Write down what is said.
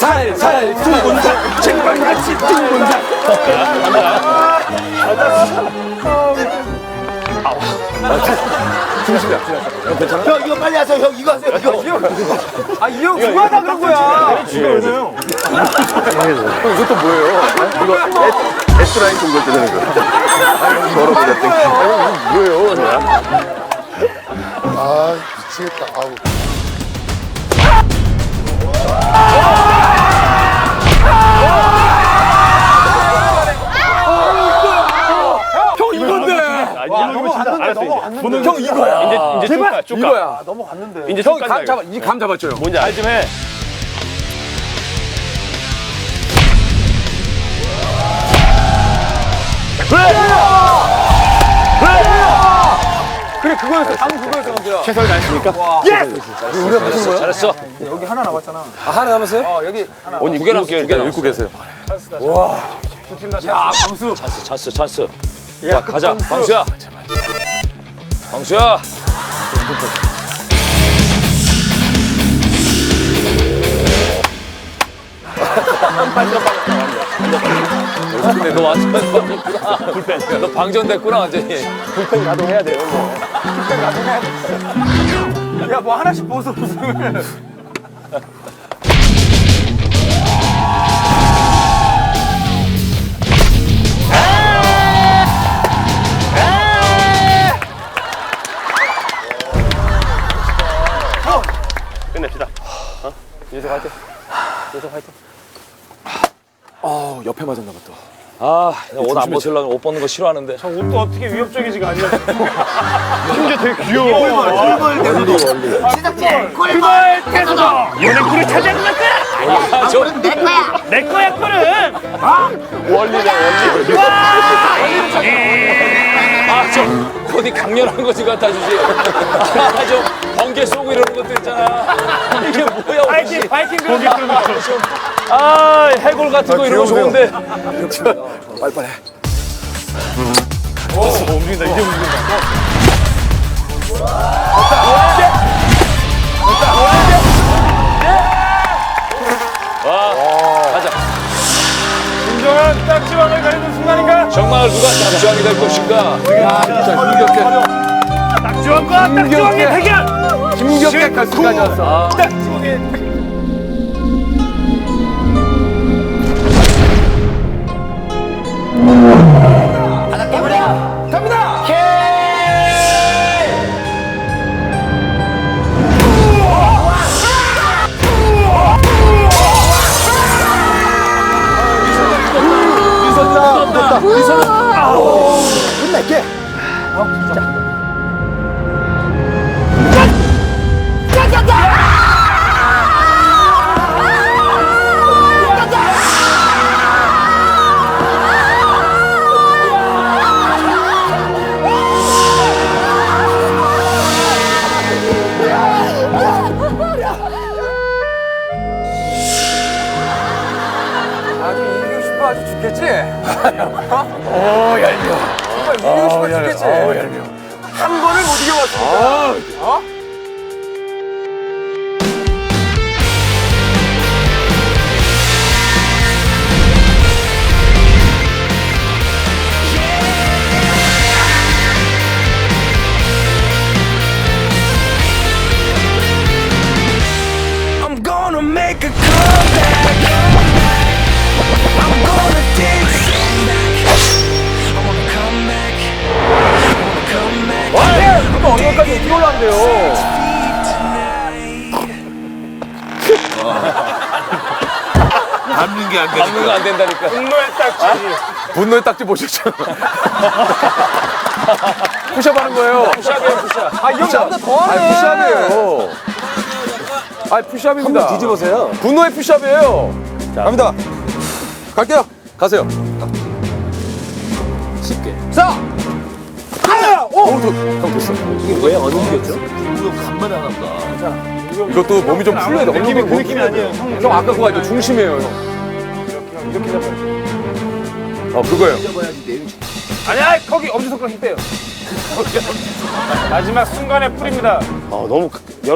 살살 두 본장 쟁반같이 두 본장. 중심이야. 형 괜찮아? 형 이거 빨리 하세요. 형 이거 하세요. 이거. 이 형 그거 하다 그런 거야. 형 이것도 뭐예요? 이거 S라인 동걸 뜨는 거. 더럽게 뭐예요? 아 미치겠다. 아우. 형 이건데. 넘어갔는데. 형 이거야. 이제 제발 이거야. 넘어갔는데. 이제 형 감 잡아. 이 감 잡았죠 형. 뭔지 알 좀 해. 그래 그거였어. 방금 그거였어 감독야. 최선을 다했으니까. 우리가 무슨 거야? 잘했어. 여기 하나 남았잖아. 아 하나 남았어요? 여기 하나. 오늘 두 개 남았어. 읽고 읽고 계세요. 야 광수. 찬스. 야, 가자. 광수야. 광수야. 근데 너 완전 불펜. 너 방전됐구나 완전히. 불펜 가동해야 돼요. 야 뭐 하나씩 벗어 무슨. 끝냅시다. 계속 화이팅. 옆에 맞았나 봐 또. 아, 옷 안 벗으려면 옷 벗는 거 싫어하는데. 저 옷도 어떻게 위협적이지가 않냐. 심지어 되게 귀여워. 꿀벌 태서도 연예꿀을 차지하는 거야. 아, 저 내 거야 꿀은. 원리다. 아, 저 어디 강렬한 거 좀 갖다 주지. 아, 저 번개 쏘고 이러는 것도 있잖아. 이게 뭐야, 파이팅 옷이. 파이팅 고기 끓는 거. 아, 해골 같은 거 이런 거 좋은데. 빨리빨리. 움직인다 이제 움직인다. 가자. 진정한 딱지방을 가리는 순간인가? 정말 누가 잠수함이 될 것인가? 딱지왕과 딱지왕의 대결. 김경태 가수까지 왔어. 끝낼게. 아주 이기고 싶어 아주 죽겠지? 얄미워. 정말 이기고 싶어 죽겠지? 얄미워. 한 번을 못 이겨봤으니까. 어? I'm gonna make a comeback. I'm gonna take it back. I wanna come back. I wanna come back. 와! 이거 언제까지 어떻게 올라간대요? 잡는 거 안 된다니까. 분노의 딱지. 분노의 딱지 보셨잖아. 푸샵 하는 거예요. 푸샵이에요, 푸샵. 이 형 나보다 더 하네. 푸샵이에요. 푸샵입니다. 한번 뒤집으세요. 분노의 푸샵이에요. 갑니다. 갈게요. 가세요. 쉽게. 자! 하나! 오! 형 됐어. 이게 왜 안 움직였죠? 이것도 몸이 좀 풀려야 돼. 느낌이 그 느낌이 아니에요. 형 아까 그거 아니죠? 중심이에요, 형. 이렇게 잡아요. 그거예요. 아니야 거기 엄지손가락 힘 빼요. 마지막 순간에 뿌립니다. 너무